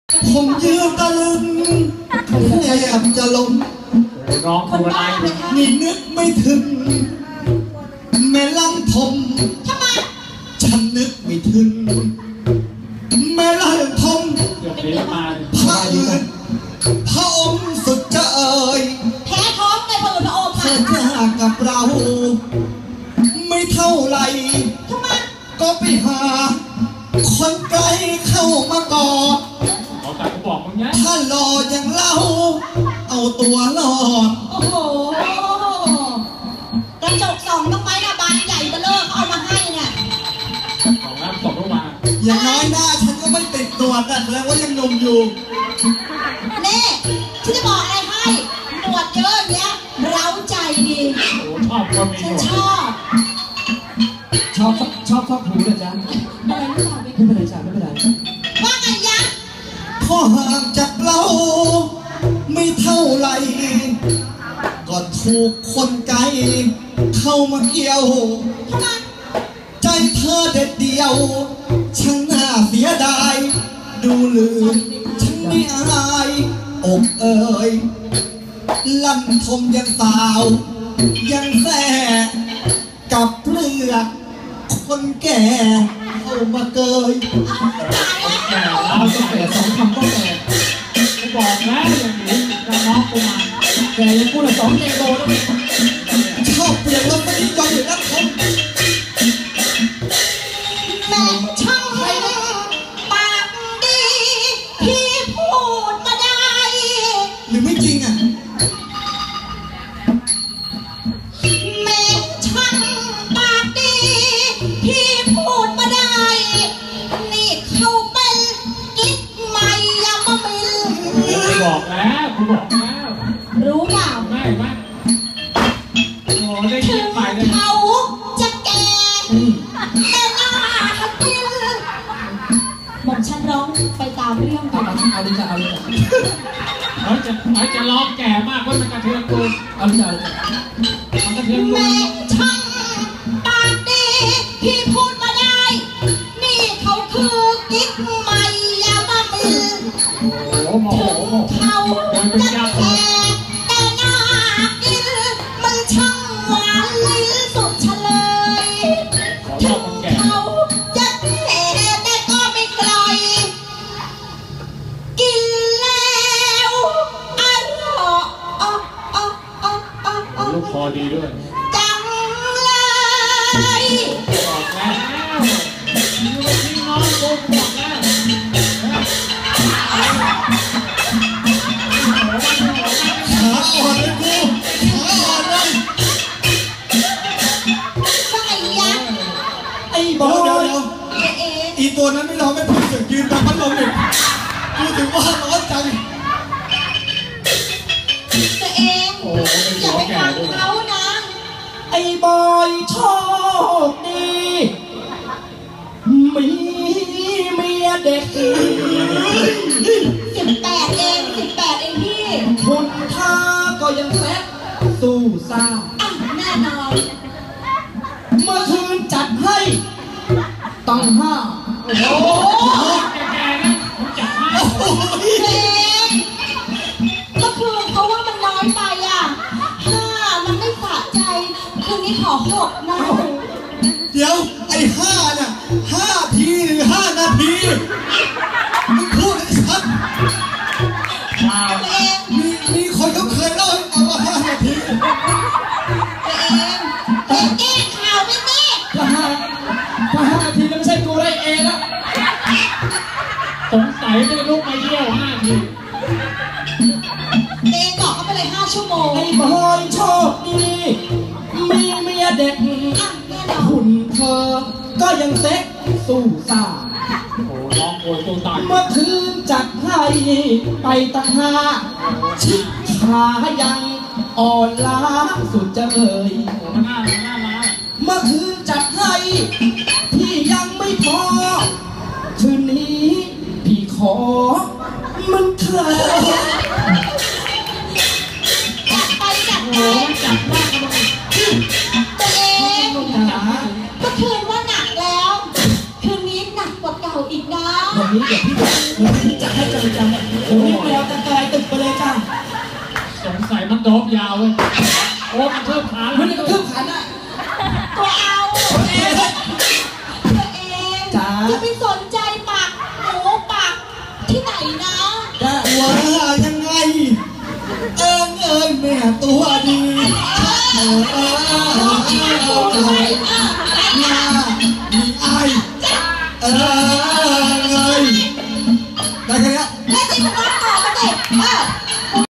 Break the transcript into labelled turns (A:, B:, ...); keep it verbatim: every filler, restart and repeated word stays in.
A: ผมยืนตะลึงแทบจะล้ม
B: ร้องคนบ้า
A: นี่นึกไม่ถึงแม่ลำทม
C: ทำไม
A: ฉันนึกไม่ถึงแม่ลำทมพระอื่นพระองค์สุดจะเอ่ย
C: แพ้ท้องในพระอื่นพระองค์
A: เธอจะกับเราไม่เท่าไร
C: ทำไม
A: ก็ไปหาคนไกลเข้ามากอดถ้ารออย่างเราเอาตัวรอด
C: โอ้โหกระจกสองต้องไม้นะบานใหญ่เบลอเอามาให้เนี่ย
B: ของน้ำตกลงมา
A: อย่างน้อยหน้าฉันก็ไม่ติดตัวกันแล้วว่ายังหนุ่มอยู่
C: นี่ฉันจะบอกอะไรให้หนวดเยอะเนี้ยเร้าใจดี
B: ชอบคนมีหนวด
C: ชอบ
D: ชอบชอบชอบหูเลยจ้ะ
C: อะไรไม่ทราบ
D: ไม่เป็นไรจ้ะไม่เป็นไร
C: ว่าไงยะ
A: พอห่างจากเราไม่เท่าไรก็ถูกคนไกลเข้ามาเกี่ยวใจเธอเด็ดเดียวช่างน่าเสียดายดูลืมฉันไม่อายอกเอ่ยลำทมยังสาวยังแส่กับเปลือกคนแก่เข้ามาเกย
B: แก่เราจะแก่สองคำก็แก่กูบอกแล้วอย่างนี้จะน้องกูมาแก่ยังกูละสองเจโกแล้ว
A: ชอบเปลี่ยนรถไม่ยอมอยู่นักทม
C: แม่ช่างปากดีพี่พูดมาได้
A: หรือไม่จริงอ่ะ
C: แม่ช่างปากดีพี่พูดมาได้นี่เขาเป็นกิ๊กใหม่ยามามิล
B: กูบอกแล้วกูบอกแล้ว
C: รู้เปล่า
B: ไม่ไม่โอ้ได้ยินใหม่เลย
C: เขาจะแก่แต่หน้ากินหม่อมฉันร้องไปตามเรื่องไปนะ
D: เอาดิจ้ะเอาดิจ้ะ
B: เขาจะเขาจะร้องแก่มากเพราะมันกระเทือนกู
D: เอาดิจ้ะ
B: มันกระเทือนกู
C: แม่ช่างปากดีพี่พูดมาได้นี่เขาคือกิ๊กใหม่ยามามิล
B: โอ้โห
C: เขาจะแก่แต่หน้ากินมันช่างหวานลิ้นสุดเฉลยถึงเขาจะแก่แต่ก็ไม่ไกลกินแล้วอร่อยอ๋ออ๋ออ๋ออ๋อ
B: ลูกคอดีด้วย
C: จังเลย
B: บอกแล้วนี่ไม่ใช่น้องกูบอกแล้ว
A: ขาอ่อนเลยกูขาอ่อนเลย
C: ว่าไงยะ
A: ไอ้บอยอีตัวนั้นไม่ร้องไม่พูดเสียงยืนตามพัดลมอีกกูถึงว่าร้อนจัง
C: ตัวเองอย่าไปฟังเขานะ
D: ไอ้บอยโชคดีมีเมียเด็ก
C: สิบแปดเองสิบแปดเองพี่
D: คุณท่าก็ยังแซ่บสู้ซ่า
C: แน่นอน
D: เมื่อคืนจัดให้ตั้งห้า
B: โอ้โหแก่ๆนะจัดให้
C: เพลงก็คือเพราะว่ามันน้อยไปอ่ะห้ามันไม่สะใจคืนนี้ขอหกนะ
A: เดี๋ยวไอ้ห้าน่ะห้าทีหรือห้านาทีมึงพูดให้ชัด
C: ตัวเอง
A: มีมีคนเขาเคยเล่าให้ฟังว่าห้านาที
C: ตัวเองเองแก้ข่าวไม่แน่
D: ถ้าห้าถ้าห้านาทีแล้วไม่ใช่กูได้เองแล้ว
B: สงสัยไม่ลุกมาเยี่ยวห้าที
C: เองบอกเขาไปเลยห้าชั่วโมง
D: ไอ้บอยโชคดีมีเมียเด็กหุ่นเธอก็ยังเซ็กสู้ซ่า
B: โอ้ร้องโวยตัวตาย
D: เมื่อคืนจัดให้ไปตั้งห้าชิขายังอ่อนล้าสุดจะเอ่ยเมื่อคืนจัดให้พี่ยังไม่พอคืนนี้พี่ขอมันเถิด
C: จัดไปจัดไป
B: จัดมากเลย
C: ตัวเองเมื่อคืนว่าหนักแล้วคืนนี้หนักกว่าเก่าอีกนะ
D: อย่างนี้เดี๋ยวพี่วันนี้จะให้จังจังโอ้ยแมวจะกลายตึกไปเลยจ้า
B: สงสัยมันโดบยาวเลยโอ้มันเพิ่มขา
D: มันจะกระทืบขันอ่ะ
C: ตัวเอาตัวเองจะไปสนใจปากหมูปากที่ไหนนะ
A: จะว่ายังไง เอิงเอิงแม่ตัวดีเออเออเออเออหน้ามีไอเออเงยได้แค่นี้
C: แม่ที่ผมว่าต่อมาดิเออ